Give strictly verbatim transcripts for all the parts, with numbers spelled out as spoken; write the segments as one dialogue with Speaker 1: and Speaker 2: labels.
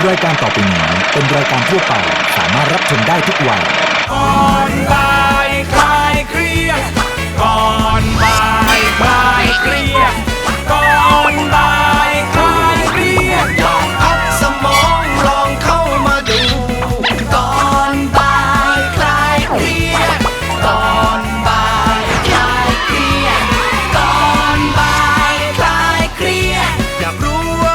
Speaker 1: รายการต่อไปนี้เป็นรายการทั่วไปสามารถรับชมได้ทุกวัย
Speaker 2: ก่อนบ่ายคลายเครียดก่อนบ่ายคลายเครียดก่อนบ่ายคลายเครียดลองพักสมองลองเข้ามาดูก่อนบ่ายคลายเครียดก่อนบ่ายคลายเครียดก่อนบ่ายคลายเครียดอยากรู้ว่า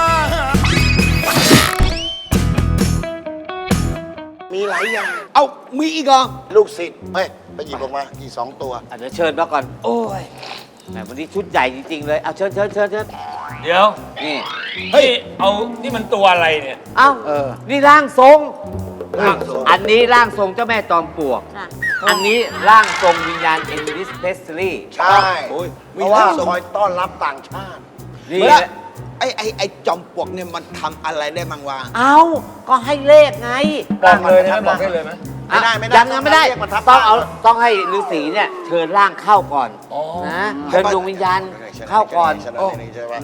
Speaker 3: มีหลายอย่าง
Speaker 4: เอ้ามีอีกเหรอ
Speaker 3: ลูกศิษย์เฮ้ยไปหยิบออกมาอีกสองตัว
Speaker 5: อ่ะเดี๋ยวเชิญมาก่อน โอ้ยแหมวันนี้ชุดใหญ่จริงๆเลยเอาเชิญเชิญเชิญเชิญ
Speaker 6: เดี๋ยว
Speaker 5: นี่
Speaker 6: เฮ้ย เอา นี่มันตัวอะไรเนี่ย
Speaker 5: เอ้า
Speaker 4: เออ
Speaker 5: นี่ร่างทรง
Speaker 6: ร่างทรง
Speaker 5: อันนี้ร่างทรงเจ้าแม่จอมปลวก อันนี้ร่างทรงวิญญาณเอลวิสเพสลีย์
Speaker 3: ใช่
Speaker 4: โอ้ย
Speaker 3: เพ
Speaker 4: มี
Speaker 3: ราะว่า
Speaker 4: ร่างทรง
Speaker 3: คอยต้อนรับต่างชาติ
Speaker 5: นี่
Speaker 4: เมื่อ
Speaker 5: แหละ
Speaker 4: ไอ้ไอ้ไอ้จอมปลวกเนี่ยมันทำอะไรได้บ้างวะ
Speaker 5: เอ้าก็ให้เลขไง
Speaker 6: บอกเลยนะบอกได้เลยไหม
Speaker 3: ไม่ได้ไม่ได้
Speaker 5: ยังยังไม่ได้
Speaker 3: เรียกมาทับ
Speaker 5: ต้องเอา
Speaker 3: ร่าง
Speaker 5: ต้องให้ฤาษีเนี่ยเชิญร่างเข้าก่อน
Speaker 6: อ๋อ
Speaker 5: นะเชิญดวงวิญญาณเข้าก่อน
Speaker 3: ใช่ไหม
Speaker 5: โอ้
Speaker 3: ใช่ไหม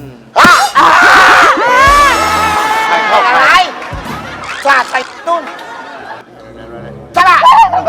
Speaker 5: ใครเข้าอะไรสาดใส่ตุ้นสละ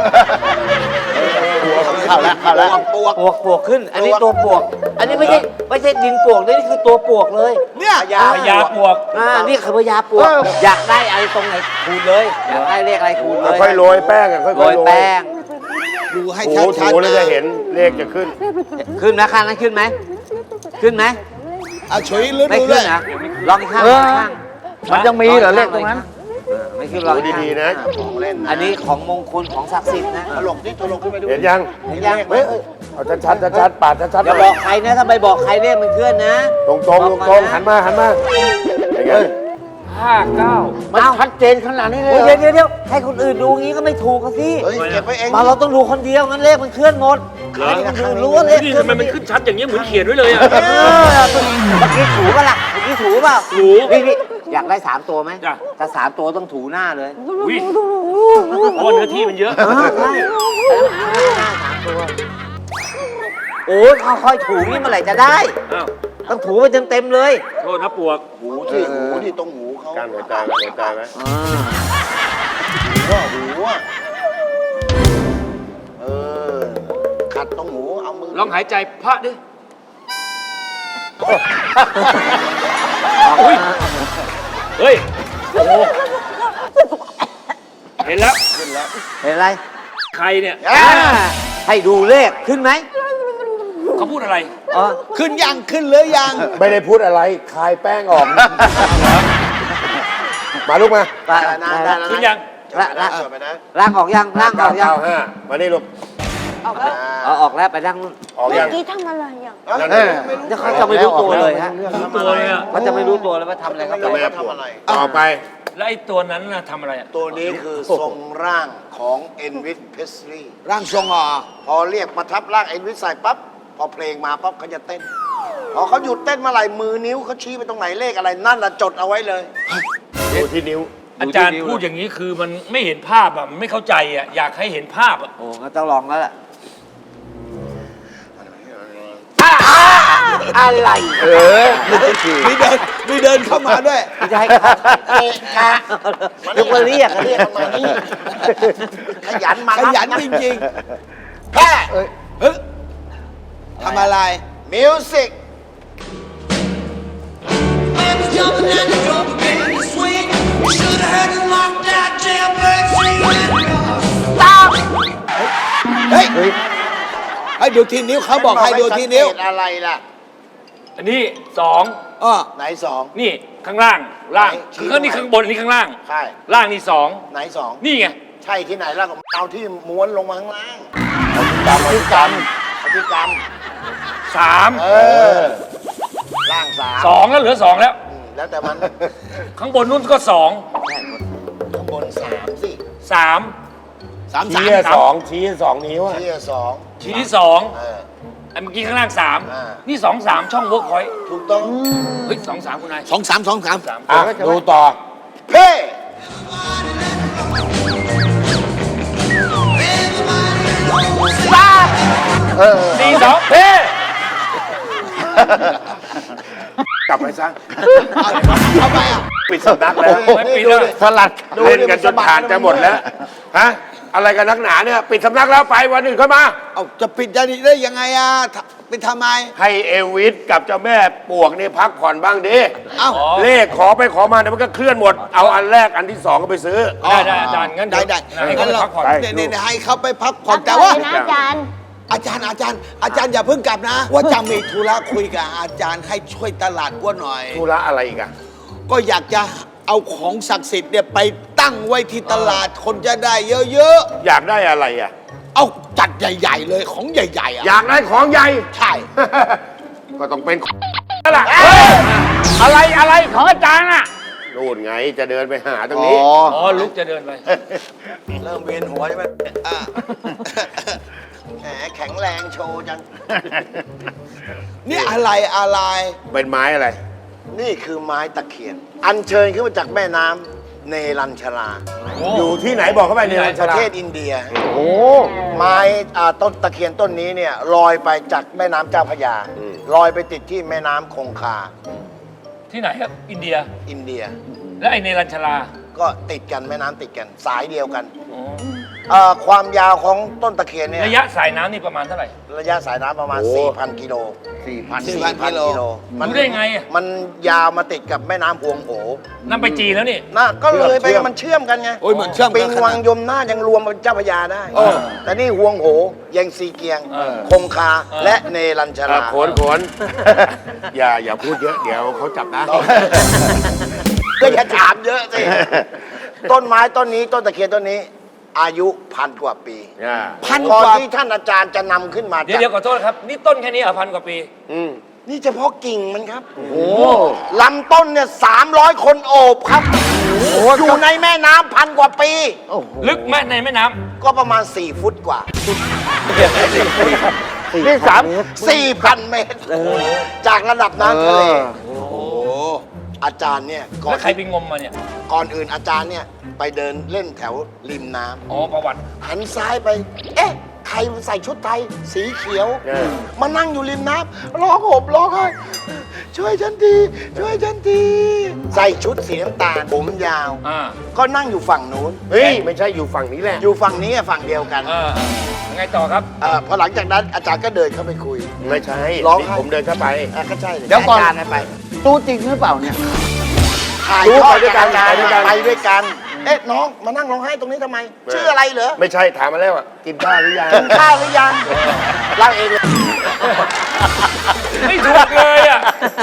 Speaker 3: เข้าแล้วเข้าแล้ว
Speaker 4: ปลวก
Speaker 5: ปวกปวกขึ้น อันนี้ตัวปวก อันนี้ไม่ใช่ไม่ใช่ดินปวกเลยนี่คือตัวปวกเลย
Speaker 4: เนี่ย
Speaker 3: พญา
Speaker 6: พญาปลวก
Speaker 5: อ่านี่คือพญาปวก อยากได้อะไรตรงไหนคูณเลย อยากได้เลขอะไรคูณเลย
Speaker 7: ค่อยโรยแป้งอะค่อยๆ
Speaker 5: โรยแป้ง
Speaker 4: ดูให้
Speaker 7: ถู
Speaker 4: ชัด
Speaker 7: ถู
Speaker 4: ๆ
Speaker 7: แล้วจะเห็นเลขจะขึ้น
Speaker 5: ขึ้นนะข้างนั้นขึ้นไหม ขึ้นไหม
Speaker 4: เอาช่วยลึก
Speaker 5: ไม่
Speaker 4: ดูเล
Speaker 5: ขึ้น
Speaker 4: ย
Speaker 5: นะลองอีกข้างลองอีกข้าง
Speaker 6: มันยังมีเหรอเลขตรงนั้น
Speaker 5: เออไม่ขึ้นลองอีกข้าง
Speaker 7: ดูดีๆนะ
Speaker 3: ของเล่นนะ
Speaker 5: อันนี้ของมงคลของศักดิ์สิทธิ์นะ
Speaker 3: ตลกที่ตลกขึ้นไปดู
Speaker 7: เห็นยัง
Speaker 5: เห็นยัง
Speaker 7: เฮ้ยเอาชัดๆชัดๆปาดชัดๆ
Speaker 5: อย่า
Speaker 7: ห
Speaker 5: บ
Speaker 7: น่
Speaker 5: อ
Speaker 7: อย
Speaker 5: กใครนะถ้าไปบอกใครเลขมันเคลื่อนนะ
Speaker 7: ตรงๆตรงๆตรงๆหันมาหันมาอย่างเงี้ย
Speaker 6: ห้าเก้า
Speaker 5: มันชัดเจนขนาดนี้เลยเดี๋ยวเดี๋ยวเดี๋ยวให้คนอื่นดูงี้ก็ไม่ถูกกันสิ
Speaker 3: เฮ้ยเก็บไว้เอง
Speaker 5: มาเราต้องดูคนเดียวงั้นเลขมันเคลื่อนหมดให้คนอื่นรู้ว่าเลข
Speaker 6: นี่
Speaker 5: เคลื่อน
Speaker 6: ทำไมมันขึ้นชัดอย่างเงี้ยเหมือนเขียนไว้เลยอ่ะ
Speaker 5: เออเมื่อกี้ถูป่ะล่ะเมื่อกี้ถูเปล่า
Speaker 6: ถู
Speaker 5: นี่นี่อยากได้สามตัวไหม
Speaker 6: จ้ะ
Speaker 5: ถ้าสามตัวต้องถูหน้าเลย
Speaker 6: อุ้ยเพราะว่าเนื้อที่มันเยอะ
Speaker 5: เออใช่หน้าสามตัวโอ้ยค่อยๆถูนี่เมื่อไหร่จะได้
Speaker 6: อ้าว
Speaker 5: ต้องถูไปเต็มๆเลย
Speaker 6: โทษนะปลวก
Speaker 3: หูที่หูที่ตรงหูเขา
Speaker 7: การหัวใจไหมหัวใจไหม
Speaker 5: อ่า
Speaker 3: ก็หูอ่ะเออขัดตรงหูเอามือ
Speaker 6: ลองหายใจพระดิอุ้ยเฮ้ย โอ้โหเห็นแล้ว
Speaker 5: เห็นอะไร
Speaker 6: ใครเนี่ย
Speaker 5: อ่าให้ดูเลขขึ้นไหม
Speaker 6: เขาพูดอะไร
Speaker 5: อ๋อ
Speaker 4: ขึ้นยังขึ้นหรือยัง
Speaker 7: ไม่ได้พูดอะไรคลายแป้งออก มาลูกมา
Speaker 5: ได้
Speaker 3: ได้
Speaker 5: ได้
Speaker 3: นะได้
Speaker 5: ได้
Speaker 3: นะ
Speaker 6: ขึ้นยัง
Speaker 5: ละละ
Speaker 3: เออไปนะ
Speaker 5: ร่างออกยังร่างอ
Speaker 7: เก้า
Speaker 5: อกยัง
Speaker 7: เก้าห้ามานี่ลูก
Speaker 5: เอาออกแล้วไปร่างนู่น
Speaker 7: ออก
Speaker 8: เมื่
Speaker 7: ยั
Speaker 8: อง กี้ทำอะไรอ่ะ
Speaker 7: นั่น
Speaker 3: เอ
Speaker 7: เอ
Speaker 3: อง
Speaker 5: เดี๋ยวเขาจะไม่รู้ตัวเลยฮะ
Speaker 6: ตัวเนี่ย
Speaker 5: เขาจะไม่รู้ตัวเลยว่าทำอะไร
Speaker 3: ไม่
Speaker 5: เข้า
Speaker 3: รู้
Speaker 5: ไป
Speaker 3: ว่าทำอะไร
Speaker 7: ต่อไป
Speaker 6: แล้วไอ้ตัวนั้นน่ะทำอะไรอ่ะ
Speaker 3: ตัวนี้คือทรงร่างของเอ็นวิสเพสลีย์
Speaker 4: ร่างทรงอ่ะ
Speaker 3: พอเรียกมาทับร่างเอ็นวิสใส่ปั๊บพอเพลงมาปั๊บเขาจะเต้น พอเขาหยุดเต้นเมื่อไหร่มือนิ้วเขาชี้ไปตรงไหนเลขอะไรนั่นละจดเอาไว้เลย
Speaker 7: ดูที่นิ้ว
Speaker 6: อาจารย์พูดอย่างนี้คือมันไม่เห็นภาพอ่ะมันไม่เข้าใจอ่ะอยากให้เห็นภาพอ่ะ
Speaker 5: โอ้งั้นต้องลองแล้วแหละอะไร
Speaker 7: เออ
Speaker 4: มีเดินมีเดินเข้ามาด้วย
Speaker 5: ไม่จะให้เขาเอะกะยกมาเรียก
Speaker 3: เรียกมันมานี่ขยันมา
Speaker 4: ข
Speaker 3: รับ
Speaker 4: ยันจริง
Speaker 3: แค่
Speaker 4: ๆเฮ้ยทำอะไร
Speaker 3: มิวสิก
Speaker 4: เฮ้ยให้ดูที่นิ้วเขาบอกให้ดูที่นิ้ว
Speaker 3: สังเกตอะไรล่ะ
Speaker 6: อันนี้สอง
Speaker 4: อ้อ
Speaker 3: ไหนสอง
Speaker 6: นี่ข้างล่างล่าง
Speaker 3: ไหนชี้
Speaker 6: คือนี่ข้างบนอันนี้ข้างล่าง
Speaker 3: ใช่
Speaker 6: ล่างนี่สอง
Speaker 3: ไหนสอง
Speaker 6: นี่ไง
Speaker 3: ใช่ที่ไหนล่ะก็เอาที่ม้วนลงมาข้างล่างเอาที่กรรมเอาที่กรรม
Speaker 6: สาม
Speaker 3: เออล่างสาม
Speaker 6: สองแล้วเหลือสองแล้ว
Speaker 3: อืมแล้วแต่มัน
Speaker 6: ข้างบนนู้นก็สอง
Speaker 3: ข้างบนสามสิ
Speaker 6: สาม
Speaker 4: สามสาม
Speaker 7: ชี้อะสองชี้สองนิ้วอะ
Speaker 3: ที่สอง
Speaker 6: ชี้ที่สอง
Speaker 3: เออ
Speaker 6: อันเมื่อกี้ข้างล่างสาม
Speaker 3: อ่า
Speaker 6: นี่สองสามช่องเวิร์กพอยต์
Speaker 3: ถูกต้อง
Speaker 6: เฮ้ยสองสามคุณนาย
Speaker 4: สองสามสองสาม
Speaker 6: สาม
Speaker 7: อ่ะดูต่อ
Speaker 3: เพ่
Speaker 6: สี่สองเฮ้
Speaker 7: กลับไปซะ
Speaker 4: เอาทำไมอ่ะ
Speaker 7: ปิดสำนักแล้ว
Speaker 6: ไม่ปิดแล้ว
Speaker 7: สลัดเล่นกันจนผ่านจะหมดแล้วฮะอะไรกันนักหนาเนี่ยปิดสำนักแล้วไปวันอื่นเข้ามา
Speaker 4: เอาจะปิดได้ยังไงอ่ะปิดทำไม
Speaker 7: ให้เอวิสกับเจ้าแม่ปวกนี่พักผ่อนบ้างดิ
Speaker 4: เอ้า
Speaker 7: เลขขอไปขอมาเดี๋ยวมันก็เคลื่อนหมดเอาอันแรกอันที่สองก็ไปซื้อ
Speaker 6: ได้ได้อาจารย์งั้น
Speaker 4: ได้ได้
Speaker 6: ให้เขา
Speaker 4: งั้น
Speaker 6: ไป
Speaker 4: เรา
Speaker 6: พักผ่อน
Speaker 7: ไป
Speaker 4: เนี่ยเนี่ยให้เขาไปพักผ่อน
Speaker 8: พั
Speaker 4: แต่
Speaker 8: ก
Speaker 4: ว่า
Speaker 8: ผ่อนนะอาจารย์
Speaker 4: อาจารย์อาจารย์ อาจารย์อย่าเพิ่งกลับนะ ว่าจะมีธุระคุยกับอาจารย์ให้ช่วยตลาดว่าหน่อย
Speaker 7: ธุระอะไรอีกอะ
Speaker 4: ก็อยากจะเอาของศักดิ์สิทธิ์เนี่ยไปตั้งไว้ที่ตลาดคนจะได้เยอะ
Speaker 7: อยากได้อะไรอะ
Speaker 4: ๆ เอาจัดใหญ่ ๆ เลยของใหญ่ๆอ่ะ
Speaker 7: อยากได้ของใหญ่
Speaker 4: ใช่
Speaker 7: ก็ต้องเป็นนั่นแหละ
Speaker 5: อะไรอะไรของอาจารย์อ่ะ
Speaker 7: นู่นไงจะเดินไปหาตรงนี้
Speaker 6: อ๋อลุกจะเดินไป
Speaker 3: เริ่มเวียนหัวใช่ไหมอ่ะแหมแข็งแรงโชว์จัง
Speaker 4: นี่อะไรอะไร
Speaker 7: เป็นไม้อะไร
Speaker 3: นี่คือไม้ตะเคียน อัญเชิญขึ้นมาจากแม่น้ำเนรัญชรา
Speaker 7: อยู่ที่ไหนบอกเข้าไปในรัญ
Speaker 3: ป
Speaker 7: ช
Speaker 3: ระ
Speaker 7: ลา
Speaker 3: เทศอินเดีย
Speaker 7: โอ้
Speaker 3: ไม้อ่าต้นตะเคียนต้นนี้เนี่ยลอยไปจากแม่น้ำเจ้าพระยา
Speaker 7: อืม
Speaker 3: ลอยไปติดที่แม่น้ำคงคา
Speaker 6: ที่ไหนครับอินเดีย
Speaker 3: อินเดีย
Speaker 6: และไอเนรัญชลา
Speaker 3: ก็ติดกันแม่น้ำติดกันสายเดียวกัน
Speaker 6: อ๋อ
Speaker 3: เอ่อความยาวของต้นตะเคียนเนี่ย
Speaker 6: ระยะสายน้ำนี่ประมาณเท่าไหร่
Speaker 3: ระยะสายน้ำประมาณ 4,000 กิโล
Speaker 4: สี่พัน
Speaker 3: 4,000 กิโล
Speaker 6: รู้ได้ไงอ่ะ
Speaker 3: มันยาวมาติดกับแม่น้ำพวงโห
Speaker 6: นั่นไปจีนแล้วนี่
Speaker 3: น่ะก็เลยไป
Speaker 7: เชื่อม
Speaker 3: มันเชื่อมกันไง
Speaker 4: โอ้ยเหมือนเชื่อม
Speaker 3: ปิง
Speaker 4: กัน
Speaker 3: วังยมน่านยังรวมเป็นเจ้าพระยาได้
Speaker 4: เออ
Speaker 3: แต่นี่ฮวงโหยังซีเกียง
Speaker 6: เออ
Speaker 3: คงคา
Speaker 6: เออ
Speaker 3: และเนรัญช
Speaker 7: อ่ะ
Speaker 3: รา
Speaker 7: ขนขน อย่าอย่าพูดเยอะเดี๋ยวเขาจับนะ
Speaker 3: ก็อย่าถามเยอะสิ ต้นไม้ต้นนี้ต้นตะเคียนต้นนี้ อายุพันกว่าปี
Speaker 7: อ่า
Speaker 4: พันก
Speaker 3: ก่อน
Speaker 4: ว่า
Speaker 3: ที่ท่านอาจารย์จะนำขึ้นมา
Speaker 6: เดี๋ยว
Speaker 3: จาก
Speaker 6: เดี๋ยวขอโทษครับ นี่ต้นแค่นี้เหรอพันกว่าปี
Speaker 7: อืม
Speaker 3: นี่เฉพาะกิ่งมันครับลำต้นเนี่ยสามร้อยคนโอบครับอยู่ในแม่น้ำพันกว่าปี
Speaker 6: ลึกแม่ในแม่น้
Speaker 3: ก็ประมาณ สี่ ฟุตกว่า
Speaker 5: นี่สาม
Speaker 3: สี่พัน เมตร จากระดับน้ำทะเล
Speaker 4: โอ้โห
Speaker 3: อาจารย์เนี่ย
Speaker 6: ำ
Speaker 3: ก่อ
Speaker 6: แล้
Speaker 3: น
Speaker 6: วใครไปงมมาเนี่ย
Speaker 3: ก่อนอื่นอาจารย์เนี่ยไปเดินเล่นแถวริมน้ำ
Speaker 6: อ๋อประวัติ
Speaker 3: หันซ้ายไป เอ๊ะ ใครใส่ชุดไทย สีเขียว
Speaker 7: เออ
Speaker 3: มานั่งอยู่ริมน้ำร้องห่มร้องไห้ช่วยฉันทีช่วยฉันทีใส่ชุดสีน้ำตาลผมยาว
Speaker 6: อ่า
Speaker 3: ก็นั่งอยู่ฝั่งนู้น
Speaker 7: เฮ้ยไม่ใช่อยู่ฝั่งนี้แหละ
Speaker 3: อยู่ฝั่งนี้อะฝั่งเดียวกัน
Speaker 6: อ่ายังไงต่อครับ
Speaker 3: เออพอหลังจากนั้นอาจารย์ก็เดินเข้าไปคุย
Speaker 7: ไม่ใช่
Speaker 3: ร้อง
Speaker 7: นี่
Speaker 3: ไห้
Speaker 7: ผมเดินเข้าไป
Speaker 3: อ่ะก็ใช่
Speaker 5: เดี๋ยวก่อน
Speaker 3: อาจารย์ไป
Speaker 5: รู้จริงหรือเปล่าเนี่ย
Speaker 3: ถ่าย
Speaker 7: รู้
Speaker 3: ทอ
Speaker 7: ไป
Speaker 3: ด
Speaker 7: ด้วยกัน
Speaker 3: อาจารย์
Speaker 7: ไปด้วยกัน
Speaker 3: ไปด้วยกัน เอ๊ะน้องมานั่งร้องไห้ตรงนี้ทำไม ชื่ออะไรเหรอ
Speaker 7: ไม่ใช่ถามมาแล้วอ่ะกินข้าวหรือยัง
Speaker 3: กินข้าวหรือยังเล่าเองเลย
Speaker 6: ไม่ถูกเลยอ่ะ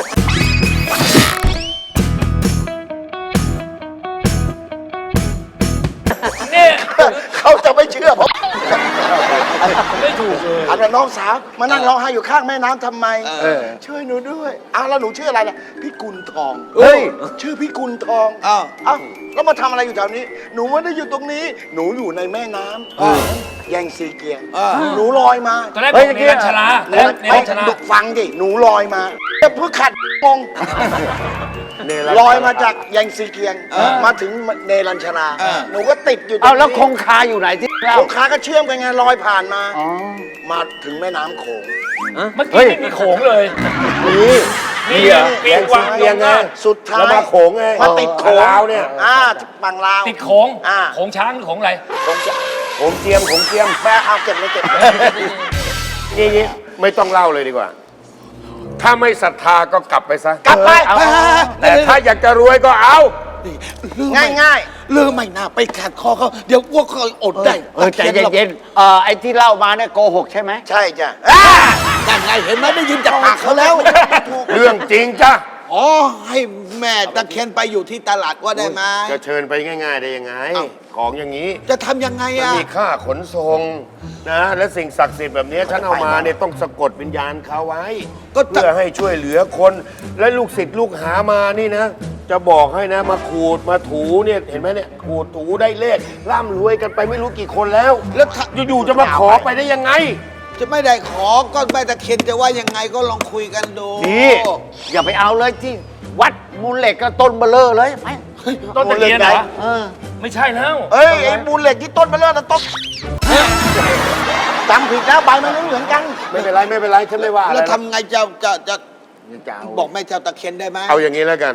Speaker 6: เนี่ย
Speaker 3: เขาจะไม่เชื่อผม
Speaker 6: ไม่ถูกเลย
Speaker 3: ถามว่าน้องสาวมานั่งร้องไห้อยู่ข้างแม่น้ำทำไม
Speaker 7: เออ
Speaker 3: ช่วยหนูด้วยอ้าวแล้วหนูชื่ออะไรล่ะพี่กุลทอง
Speaker 4: เฮ้ย
Speaker 3: ชื่อพี่กุลทอง
Speaker 4: อ้าว
Speaker 3: อ้าวแล้วมาทำอะไรอยู่แถวนี้ หนูไม่ได้อยู่ตรงนี้ หนูอยู่ในแม่น้ำแยงซีเกียง
Speaker 4: อ่า
Speaker 3: หนูลอยมา
Speaker 6: ตอนแรกบ
Speaker 5: เฮ้
Speaker 6: อย กเนรัญชลา
Speaker 3: เน
Speaker 6: แล้ว
Speaker 3: ร
Speaker 6: เนรัญชลา
Speaker 3: ดุฟังดิหนูลอยมาแต่เพื่อขัดงง
Speaker 7: เนร
Speaker 3: ลอยมาจากแยงซีเกียง มาถึงเนรัญชรา
Speaker 4: อ่า
Speaker 3: หนูก็ติดอยู่ตรง
Speaker 5: เอา
Speaker 3: นี้
Speaker 5: แล้วคงคาอยู่ไหนที่เล่า
Speaker 3: คงคาก็เชื่อมกันไงลอยผ่านมา
Speaker 5: อ๋อ
Speaker 3: มาถึงแม่น้ำโขง
Speaker 6: เมื่อกี้ไม่มีโขงเลย
Speaker 7: นี่
Speaker 6: นี่
Speaker 7: เหรอ
Speaker 6: เปียกวาง
Speaker 7: เปียงไง
Speaker 3: สุดท้าย
Speaker 7: แล้วมาโขงไง
Speaker 3: มาติดโขง
Speaker 7: ลาวเนี่ย
Speaker 3: อ่าบังลาว
Speaker 6: ติดโขง
Speaker 3: อ่า
Speaker 6: โขงช้างหรือโขงอะไร
Speaker 3: คงจะ
Speaker 7: โขงเจียมโขงเจียม
Speaker 3: แม่เอาเก็บเลยเก็บเลย
Speaker 7: นี่นี่ไม่ต้องเล่าเลยดีกว่า ถ้าไม่ศรัทธาก็กลับไปซะ
Speaker 3: กลับไป
Speaker 7: แต่ถ้าอยากจะรวยก็เอา
Speaker 3: ง่ายง่าย
Speaker 4: เลือไม่น่าไปขัดคอเขา เดี๋ยวพวกเขาอดได้
Speaker 5: เออใจเย็นๆเออไอ้ที่เล่ามาเนี่ยโกหกใช่ไหม
Speaker 3: ๆใช่จ้ะ
Speaker 4: ยังไงเห็นไหมได้ยินจากปากเขาแล้ว
Speaker 7: เรื่องจริงจ้ะ
Speaker 4: อ๋อ ให้แม่ตะเคียนไปอยู่ที่ตลาดว่าได้ไหม
Speaker 7: จะเชิญไปง่าย ๆ ได้ยังไง
Speaker 4: เอ้า
Speaker 7: ของอย่างนี้
Speaker 4: จะทำยังไง
Speaker 7: มัน
Speaker 4: อ่ะ
Speaker 7: มีค่าขนส่งนะ และสิ่งศักดิ์สิทธิ์แบบนี้ฉันเอามาเนี่ยต้องสะกดวิญญาณเขาไว้
Speaker 4: ก็จะ
Speaker 7: เพื่อให้ช่วยเหลือคน และลูกศิษย์ลูกหามานี่นะ จะบอกให้นะมาขูดมาถูเนี่ยเห็นไหมเนี่ยขูดถูได้เลขร่ำรวยกันไปไม่รู้กี่คนแล้ว
Speaker 4: แล้วถ้า
Speaker 7: อยู่ๆจะมาขอไปได้ยังไง
Speaker 4: จะไม่ได้ขอก็แม่ตะเคียนจะว่ายังไงก็ลองคุยกันดู
Speaker 7: ดี
Speaker 5: อย่าไปเอาเลยที่วัดมูลเหล็กก็ต้นเบลเลอร์เลยไป
Speaker 6: ต้นตะเคียนเหรอ
Speaker 5: เออ
Speaker 6: ไม่ใช่แล้ว
Speaker 3: เอ้ยไอ้มูลเหล็กที่ต้นมาเลิศนะต้นจำผิดแล้วใบมันไม่เหมือนกัน
Speaker 7: ไม่เป็นไรไม่เป็นไรฉันไม่ว่าอะไร
Speaker 4: แล้ว
Speaker 7: นะ
Speaker 4: ทำไงจะจะจะบอกแม่เจ้าตะเคียนได้ไหม
Speaker 7: เอาอย่างนี้แล้วกัน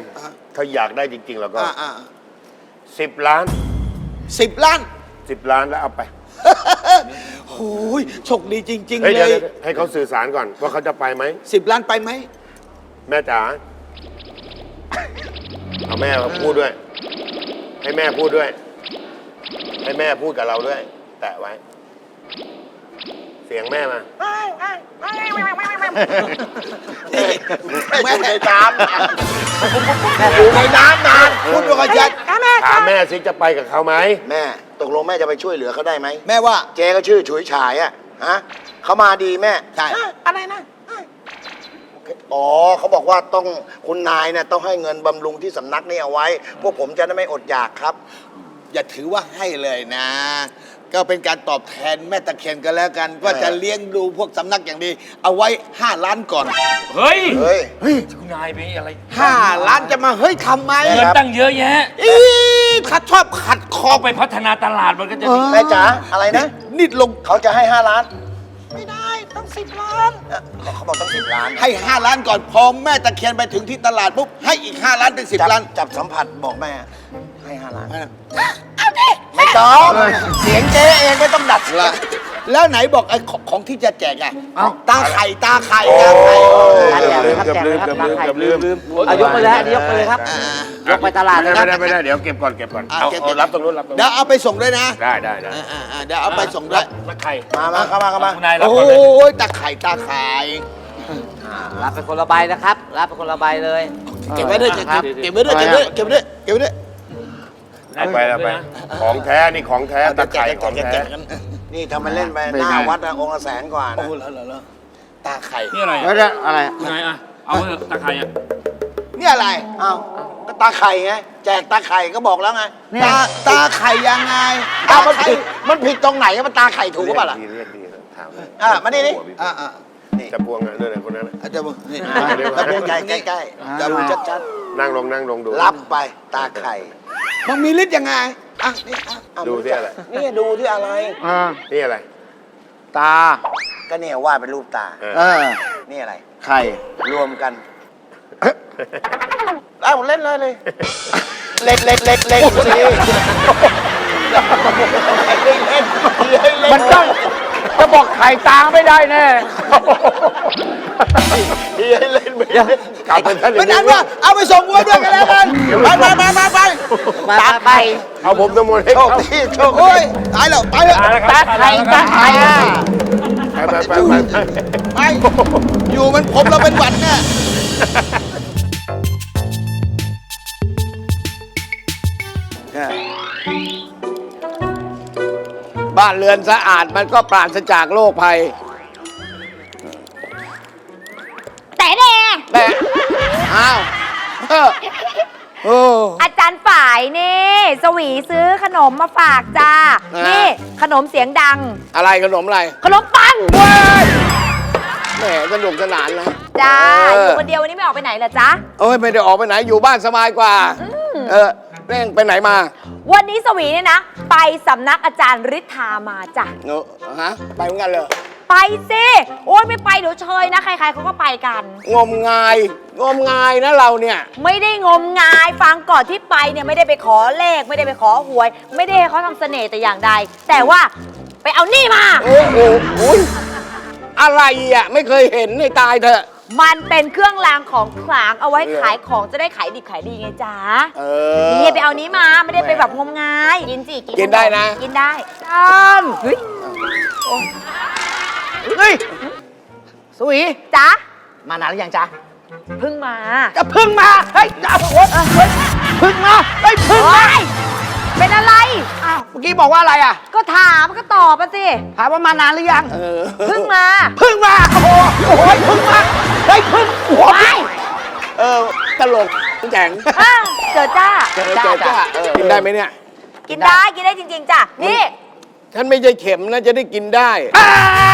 Speaker 7: ถ้าอยากได้จริง ๆ แล้วก็
Speaker 4: อ่าอ่า
Speaker 7: สิบล้าน
Speaker 4: สิบล้าน
Speaker 7: สิบล้านแล้วเอาไป
Speaker 4: โอ้ยโชคดีจริง ๆ
Speaker 7: เฮ้ย
Speaker 4: เล
Speaker 7: เดี๋ยวย เดี๋ยวให้เขาสื่อสารก่อนว่าเขาจะไปไหม
Speaker 4: สิบล้านไปไหม
Speaker 7: แม่จ๋าเอาแม่มาพูดด้วย ให้แม่พูดด้วย ให้แม่พูดกับเราด้วย แตะไว้ เสียงแม่มา
Speaker 4: แม่
Speaker 3: อยู่ในน้ำอยู่ในน้ำนาน
Speaker 4: พูดด้วยกันชัด
Speaker 7: ถามแม่สิจะไปกับเขาไหม
Speaker 3: แม่ตกลงแม่จะไปช่วยเหลือเขาได้ไหม
Speaker 4: แม่ว่า
Speaker 3: เจ๊ก็ชื่อฉุยฉายอะฮะเขามาดีแม่
Speaker 4: ใช่
Speaker 3: อะไรนะอ๋อเขาบอกว่าต้องคุณนายเนี่ยต้องให้เงินบำรุงที่สำนักนี่เอาไว้ พวกผมจะได้ไม่อดอยากครับ
Speaker 4: อย่าถือว่าให้เลยนะ ก็เป็นการตอบแทนแม่ตะเคียนกันแล้วกัน ว่าจะเลี้ยงดูพวกสำนักอย่างดี เอาไว้ห้าล้านก่อน
Speaker 6: เฮ้ย
Speaker 3: เฮ้ย
Speaker 6: คุณนายไปอะไร
Speaker 4: ห้าล้านจะมาเฮ้ยทำไม
Speaker 6: เงินตั้งเยอะแยะ
Speaker 4: อีขัดชอบขัดคอ
Speaker 6: เอาไปพัฒนาตลาดมันก็จะดี
Speaker 3: แม่จ๋าอะไรนะ
Speaker 4: นิดลง
Speaker 3: เขาจะให้ห้าล้าน ไม่ได้ต้องสิบล้านเขาบอกต้องสิบล้าน
Speaker 4: ให้ห้าล้านก่อนพอแม่ตะเคียนไปถึงที่ตลาดปุ๊บให้อีกห้าล้านเป็นสิบ
Speaker 3: จับ
Speaker 4: ล้าน
Speaker 3: จับสัมผัสบอกแม่ ให้ห้าล้านไม่ต้อง เสียงเจ๊เองไม่ต้องดัด
Speaker 4: ละแล้วไหนบอกไอ้ของของที่จะแจกอะ
Speaker 5: เอ้า
Speaker 4: ตาไข่ตาไข่ตาไข่
Speaker 5: แจกเลยครับแจกเลยครับตาไข่ลืมลืมเอายกไปเลยฮะอันนี้ยกไปเลยครับ
Speaker 4: อ่าย
Speaker 5: กไปตลาด
Speaker 7: ไม่
Speaker 5: นะค
Speaker 7: ได้
Speaker 5: รับ
Speaker 7: ไม่ได้ไม่ได้เดี๋ยวเก็บก่อนเก็บก่อน
Speaker 4: อ่ะ
Speaker 7: เอา
Speaker 4: เก็บ
Speaker 7: เอารับตรงนู้นรับตรง
Speaker 4: เดี๋ย
Speaker 7: นู้
Speaker 4: วน เอาไปส่งด้วยนะ
Speaker 7: ได้ได้ได้
Speaker 4: อ่าอ่าอ่าเดี๋ยวเอาไปส่งด้วย
Speaker 6: ตะไคร่
Speaker 3: มามาเข้ามาเข้ามา
Speaker 6: คุณนายรับ
Speaker 4: โอ้
Speaker 6: ก่อนเลย
Speaker 4: ยตาไข่ตาไข่
Speaker 5: รับเป็นคนละใบนะครับ รับเป็นคนละใบเลย
Speaker 4: เก็บไว้ด้วยเก็บ
Speaker 5: ครับ
Speaker 4: เก็บไว้ด้วยเก็บไว้ด้วยเก็บไว้ด้วยเก็บไว้ด้วย
Speaker 7: เอาไปเอาไป ของแท้นี่ของแท้ตะไคร่ของแท้
Speaker 3: นี่ทำมาเล่นไปหน้าวัดอะองค์ละแสนกว่า
Speaker 4: โอ้
Speaker 3: นะ
Speaker 4: โหเหรอเหรอตาไข่
Speaker 6: นี่อะไร
Speaker 5: แล้วเนี่ยอะไร
Speaker 6: คุณนายอ่ะ เอาเถอะตะไคร่อ่ะ
Speaker 4: นี่อะไร
Speaker 3: อ้าวก็ตาไข่ไง แจกตาไข่ก็บอกแล้วไง
Speaker 4: ตาตาไข่ยังไง
Speaker 3: ตามันผิดมันผิดตรงไหนมันตาไข่ถูกหรือเปล่าล่ะ
Speaker 7: เรียกดีถามเลย
Speaker 3: อ่ะมานี่ดิ
Speaker 4: อ่าอ่า
Speaker 7: จะพวงอ่ะด้วยไหนคนนั้นน่ะ
Speaker 4: อาจจะบอกนี่
Speaker 3: ตะพวงใหญ่ใกล้ๆจะดูชัด
Speaker 7: นั่งลงนั่งลงดู
Speaker 3: ๆรับไปตาไข่
Speaker 4: มันมีฤทธิ์ยังไงอ่ะนี่อ่ะ
Speaker 3: อ่ะ
Speaker 7: ดูที่อะไร
Speaker 3: นี่ดูที่อะไร
Speaker 7: นี่อะไร
Speaker 5: ตา
Speaker 3: ก็เนี่ยวาดเป็นรูปตา
Speaker 7: เออ
Speaker 5: เออ
Speaker 3: นี่อะไร
Speaker 5: ไข่
Speaker 3: รวมกันเอ้าเล่นเลยเลยเล็กเล็กเล็กเล็กสิเล่นเล่นมันต้อง
Speaker 5: จะบอกไข่ตาไม่ได้แน่
Speaker 3: ที่ให้เล่นไป
Speaker 5: เดี๋ยว
Speaker 7: กลับไปท่าน
Speaker 4: เป็นอันว่าเอาไปส่งวัวด้วยกันแล้วกันไปไปไปไปไป
Speaker 5: มาไปไป
Speaker 7: เอาผมทั้งหมดให้
Speaker 3: โช
Speaker 7: เขา
Speaker 3: คดีโชคดี
Speaker 4: โอ้ยตายแล้วไปเลย
Speaker 5: ตาไข่ตาไข่อ่ะ
Speaker 7: ไปไปไปไป
Speaker 4: ไปอยู่มันผมเราเป็นหวัดเนี่ย
Speaker 8: บ้านเรือนสะอาดมันก็ปราศจากโรคภัย
Speaker 9: แต่แน่
Speaker 8: แต่อ้าวเออโอ้
Speaker 9: อาจารย์ฝ่ายนี่สวีซื้อขนมมาฝากจ้า
Speaker 8: อ่านี่
Speaker 9: นี่ขนมเสียงดัง
Speaker 8: อะไรขนมอะไร
Speaker 9: ขนมปัง
Speaker 8: แหมสนุกสนานนะ
Speaker 9: จ้า
Speaker 8: เออ
Speaker 9: อ
Speaker 8: อ
Speaker 9: ยู่คนเดียววันนี้ไม่ออกไปไหนเหรอจ๊ะ
Speaker 8: โอ้ยไม่ได้ออกไปไหนอยู่บ้านสบายกว่า เออเร่งไปไหนมา
Speaker 9: วันนี้สวีเนี่ยนะ ไปสำนักอาจารย์ฤทธามาจ้ะ
Speaker 8: เนอะฮะไปเหมือนกันเลย
Speaker 9: ไปสิโอ้ยไม่ไปเดี๋ยวเชยนะ ใครๆเขาก็ไปกัน
Speaker 8: งมงาย งมงายนะเราเนี่ย
Speaker 9: ไม่ได้งมงายฟังก่อนที่ไปเนี่ยไม่ได้ไปขอเลข ไม่ได้ไปขอหวย ไม่ได้ให้เขาทำเสน่ห์แต่อย่างใด แต่ว่าไปเอานี่มา
Speaker 8: โอ้โหอุ๊ยอะไรอ่ะ ไม่เคยเห็นในตายเถอะ
Speaker 9: มันเป็นเครื่องรางของขลังเอาไว้ขายของจะได้ขายดิบขายดีไงจ๊ะ
Speaker 8: เออ
Speaker 9: นี่ไปเอานี้มาไม่ได้ไปแบบงมงาย กินสิ
Speaker 8: กินได้นะ
Speaker 9: กินได้จันเฮ้ย
Speaker 5: เฮ้ยสวี
Speaker 9: จ๊ะ
Speaker 5: มานานหรือยังจ๊ะ
Speaker 9: เพิ่งมา
Speaker 5: จะพึ่งมา เฮ้ยจะโอ๊ยเฮ้ยพึ่งมา เฮ้ยพึ่งมา
Speaker 9: เฮ้ยเป็นอะไร
Speaker 5: อ้าวเมื่อกี้บอกว่าอะไรอ่ะ
Speaker 9: ก็ถามก็ตอบมาสิ
Speaker 5: ถามว่ามานานหรือยัง
Speaker 8: เออ
Speaker 9: เพิ่งมา
Speaker 5: พึ่งมา โอ้โหโอ้โหพึ่งมา เฮ้ยพึ่งหัว
Speaker 9: ไป
Speaker 8: เออตลกแจ๋ง
Speaker 9: อ่ะเจอจ้า
Speaker 8: เจอเจอจ้าเออกินได้ไหมเนี่ย
Speaker 9: กินได้กินได้จริง ๆจ้ะนี่
Speaker 8: ฉันไม่ใช่เข็มนะจะได้กินได้
Speaker 5: อ่า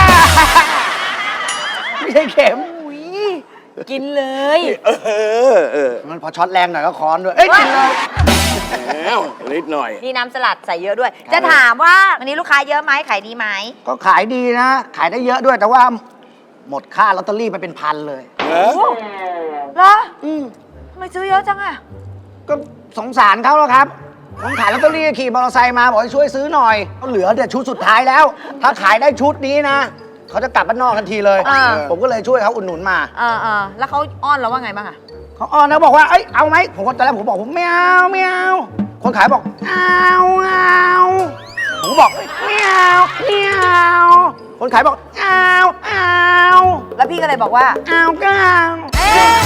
Speaker 5: ไม่ใช่เข็ม
Speaker 9: อุ๊ยกินเลย
Speaker 8: เออเออ
Speaker 5: มันพอช็อตแรงหน่อยก็ค้อนด้วย เอ้ยกินเลย
Speaker 8: แล้วนิดหน่อย
Speaker 9: นี่น้ำสลัดใส่เยอะด้วย จะถามว่าวันนี้ลูกค้าเยอะไหมขายดีไหม
Speaker 5: ก็ขายดีนะ ขายได้เยอะด้วยแต่ว่า หมดค่าลอตเตอรี่ไปเป็นพันเลย
Speaker 8: เออ
Speaker 9: เหรออืมทำไมซื้อเยอะจังอะ
Speaker 5: ก็สงสารเขาแล้วครับผมขายลอตเตอรี่ขี่มอเตอร์ไซค์มาบอกให้ช่วยซื้อหน่อยเขาเหลือแต่ชุดสุดท้ายแล้ว ถ้าขายได้ชุดนี้นะเขาจะกลับบ้านนอกทันทีเลย
Speaker 9: อ่า
Speaker 5: ผมก็เลยช่วยเขาอุดหนุนมา
Speaker 9: เออเออแล้วเขาอ้อนเราว่าไงบ้างอะ
Speaker 5: เขาอ้อนนะบอกว่าเอ้ยเอาไหมผมก็ตอนแรกผมบอกผมไม่เอาไม่เอาคนขายบอกเอาเอาผมก็บอกเอ้ยไม่เอาไม่เอาคนขายบอกเอาเอา
Speaker 9: แล้วพี่ก็เลยบอกว่า
Speaker 5: เอาก็เอา
Speaker 9: เอ๊ะ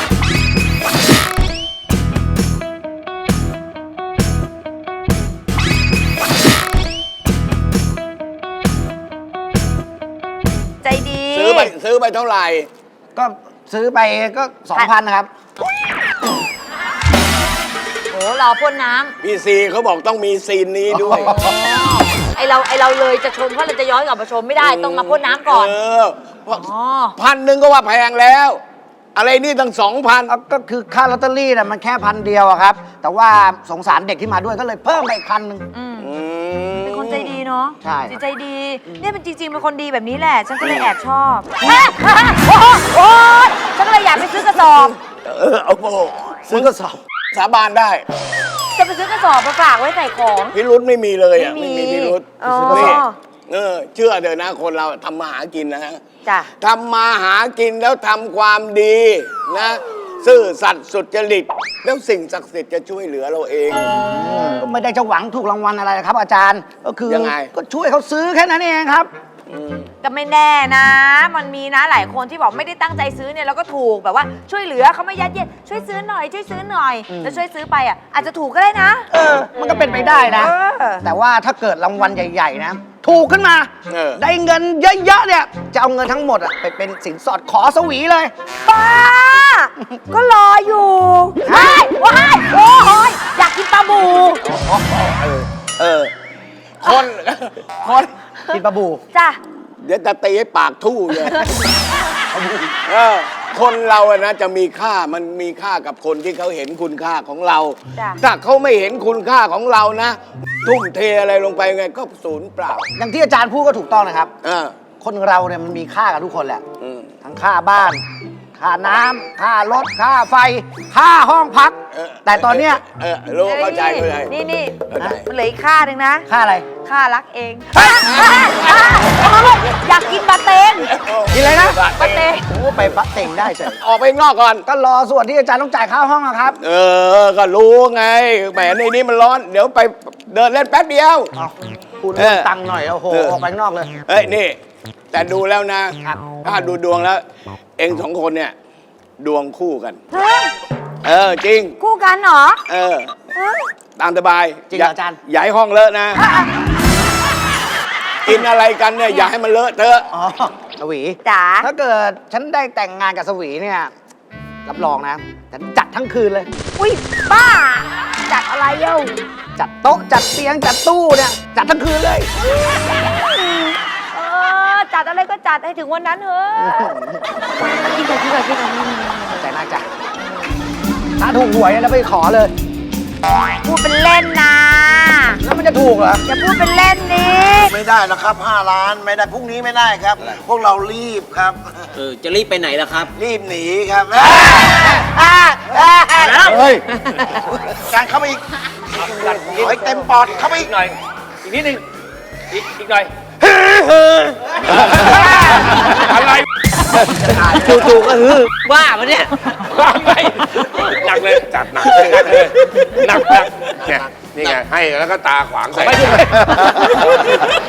Speaker 9: ใจดี
Speaker 8: ซื้อไปซื้อไปเท่าไหร่
Speaker 5: ก็ซื้อไปก็สองพันนะครับ
Speaker 9: โอ้รอพ่นน้
Speaker 8: พี่ซีเขาบอกต้องมีซีนนี้ด้วย
Speaker 9: ำไอเราไอเราเลยจะชมเพราะเราจะย้อนกลับมาชมไม่ได้ต้องมาพ่นน้ำก่อน
Speaker 8: เออ
Speaker 9: อ๋อ
Speaker 8: พันหนึ่งก็ว่าแพงแล้ว อะไรนี่ตั้งสองพัน
Speaker 5: เอาก็คือค่าลอตเตอรี่น่ะมันแค่พันเดียวอะครับ แต่ว่าสงสารเด็กที่มาด้วยก็เลยเพิ่มไปอีกพันหนึ่ง
Speaker 9: อืมเป็นคนใจดีเนาะ
Speaker 5: ใช่
Speaker 9: จิตใจดี เนี่ยเป็นจริงๆเป็นคนดีแบบนี้แหละ ฉันก็เลยแอบชอบแม่โอ้โหโอ๊ยฉันก็เลยอยากไปซื้อกระสอบ
Speaker 8: เออเอาโบซื้อกระสอบสาบานได้
Speaker 9: จะไปซื้อกระสอบมาฝากไว้ใส่ของ
Speaker 8: พิรุธไม่มีเลยอ่ะ
Speaker 9: ไม่
Speaker 8: ไม่
Speaker 9: มี
Speaker 8: มีพิรุธ
Speaker 9: อ๋อ
Speaker 8: นี่เออเชื่อเถอะนะคนเราทำมาหากินนะฮะ
Speaker 9: จ้ะ
Speaker 8: ทำมาหากินแล้วทำความดีนะ ซื่อสัตย์สุจริตแล้วสิ่งศักดิ์สิทธิ์จะช่วยเหลือเราเอง
Speaker 5: ก็ไม่ได้จะหวังถูกรางวัลอะไรนะครับ อาจารย์ก็คือ
Speaker 8: ยังไง
Speaker 5: ก็ช่วยเขาซื้อแค่นั้นเองครับ
Speaker 9: ก็ไม่แน่นะ มันมีนะหลายคนที่บอกไม่ได้ตั้งใจซื้อเนี่ยแล้วก็ถูกแบบว่าช่วยเหลือเขาไม่ยัดเยียดช่วยซื้อหน่อยช่วยซื้อหน่อยแล้วช่วยซื้อไปอ่ะอาจจะถูกก็ได้นะ
Speaker 5: เออ มันก็เป็นไปได้นะ
Speaker 9: เออ
Speaker 5: แต่ว่าถ้าเกิดรางวัลใหญ่ ๆ นะ ถูกขึ้นมา
Speaker 8: เออ
Speaker 5: ได้เงินเยอะๆเนี่ย จะเอาเงินทั้งหมดอะไปเป็นสินสอดขอสวีเลย
Speaker 9: ป้า ก็รออยู่ว้ายว้ายโอ้ยอยากกินปลาบู
Speaker 8: เออ คน คน
Speaker 5: กินปลาบู
Speaker 9: จ้ะ
Speaker 8: เดี๋ยวจะตีให้ปากทู่เลยเออคนเราอะนะจะมีค่ามันมีค่ากับคนที่เขาเห็นคุณค่าของเรา
Speaker 9: จ้ะ
Speaker 8: ถ้าเขาไม่เห็นคุณค่าของเรานะ ทุ่มเทอะไรลงไปไงก็ศูนย์เปล่า
Speaker 5: อย่างที่อาจารย์พูดก็ถูกต้องนะครับ
Speaker 8: เออ
Speaker 5: คนเราเนี่ยมันมีค่ากับทุกคนแหละ
Speaker 8: อืม
Speaker 5: ทั้งค่าบ้าน ค่าน้ำค่ารถ ค่าไฟ ค่าห้องพัก
Speaker 8: เออ
Speaker 5: แต่ตอนเนี้ย
Speaker 8: เออรู้เข้าใจเข้าใจ
Speaker 9: นี่นี่
Speaker 8: เข้าใจ
Speaker 9: มันเหลืออีกค่าหนึ่งนะ
Speaker 5: ค่าอะไร
Speaker 9: ค่ารักเองอยากกินปลาเตง
Speaker 5: กินอะไรนะ
Speaker 9: ปลาเตง
Speaker 5: โอ้ไปปะเต็งได้เฉย
Speaker 8: ออกไปข้างนอกก่อน
Speaker 5: ก็รอส่วนที่อาจารย์ต้องจ่ายค่าห้องอะครับ
Speaker 8: เออ ก็รู้ไง แหมในนี้มันร้อน เดี๋ยวไปเดินเล่นแป๊บเดียว
Speaker 5: เอาพูดเรื่อง
Speaker 8: เออ
Speaker 5: ตังค์หน่อย โอ้โห
Speaker 8: เออ
Speaker 5: ออกไปข้างนอกเลย
Speaker 8: เฮ้ย นี่ แต่ดูแล้วนะ
Speaker 5: ครับ
Speaker 8: ถ้าดูดวงแล้ว เองสองคนเนี่ย ดวงคู่กัน
Speaker 9: เฮ้ย
Speaker 8: เออ จริง
Speaker 9: คู่กันเหรอ
Speaker 8: เออ
Speaker 9: เฮ้ย
Speaker 8: ตามสบาย
Speaker 5: จริงเหรออาจารย์
Speaker 8: อย่าให้ห้องเลอะนะ กินอะไรกันเนี่ย อย่าให้มันเลอะเทอะ
Speaker 5: อ๋อสวี
Speaker 9: จ๋า
Speaker 5: ถ้าเกิดฉันได้แต่งงานกับสวีเนี่ย รับรองนะฉันจัดทั้งคืนเลย
Speaker 9: อุ้ยป้า จัดอะไรเย้า
Speaker 5: จัดโต๊ะ จัดเตียง จัดตู้เนี่ย จัดทั้งคืนเลย
Speaker 9: เออ จัดอะไรก็จัดให้ถึงวันนั้นเถอะกินก่อนกินก่อนกินก่อน
Speaker 5: ใจมากจ้ะถ้าถูกหวยนะไปขอเลย
Speaker 9: พูดเป็นเล่นนะ
Speaker 5: แล้วมันจะถูกเหรอ
Speaker 9: อย่าพูดเป็นเล่นนี้
Speaker 3: ไม่ได้นะครับห้าล้านไม่ได้พรุ่งนี้ไม่ได้ครับ พวกเรารีบครับ
Speaker 5: เออ จะรีบไปไหนล่ะครับ
Speaker 3: รีบหนีครับ
Speaker 7: เฮ้ย
Speaker 3: การเข้ามาอีกขอให้เต็มปอดเข้ามาอีก
Speaker 6: หน่อย อีกนิดนึงอีกอีกหน่อย อะไร
Speaker 5: จู่ๆก็ฮือบ้าปะเนี่ย
Speaker 6: ว่าไงหนักเลย
Speaker 7: จัดหนักเลยหนักเลยหนักหนักเนี่ยนี่ไง ให้แล้วก็ตาขวางใส่
Speaker 6: ไม่ใช่